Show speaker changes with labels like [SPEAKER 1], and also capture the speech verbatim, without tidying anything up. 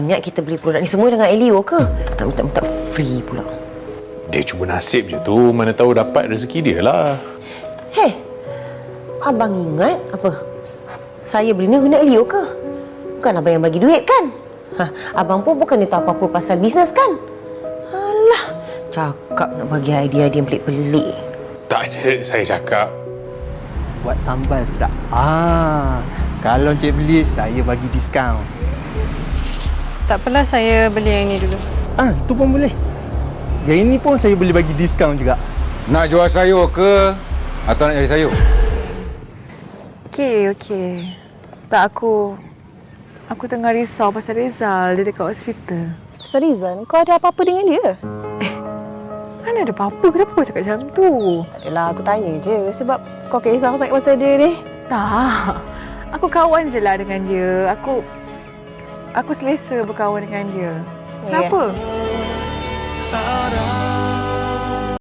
[SPEAKER 1] ingat kita beli produk ni semua dengan Elio ke? Nak minta-minta free pula.
[SPEAKER 2] Dia cuma nasib je tu. Mana tahu dapat rezeki dia lah.
[SPEAKER 1] Hei, abang ingat apa? Saya beli ni guna Elio ke? Bukan abang yang bagi duit kan? Ha, abang pun bukan tahu apa-apa pasal bisnes kan? Alah, cakap nak bagi idea-idea yang pelik-pelik.
[SPEAKER 2] Tak ada, saya cakap.
[SPEAKER 3] Buat sambal sedap. Ah, kalau Encik beli, saya bagi diskaun.
[SPEAKER 4] Tak apalah, saya beli yang ini dulu.
[SPEAKER 3] Ah, itu pun boleh. Yang ini pun saya boleh bagi diskaun juga.
[SPEAKER 5] Nak jual sayur ke? Atau nak cari sayur?
[SPEAKER 6] Okey, okey. Tak, aku... Aku tengah risau pasal Rizal. Dia dekat hospital.
[SPEAKER 4] Pasal Rizal, kau ada apa-apa dengan dia?
[SPEAKER 6] Mana ada apa-apa? Kenapa kau cakap macam tu?
[SPEAKER 4] Yalah, aku tanya je sebab kau kisah sangat pasal dia ni.
[SPEAKER 6] Tak. Aku kawan je lah dengan dia. Aku... Aku selesa berkawan dengan dia.
[SPEAKER 4] Ya.
[SPEAKER 6] Kenapa?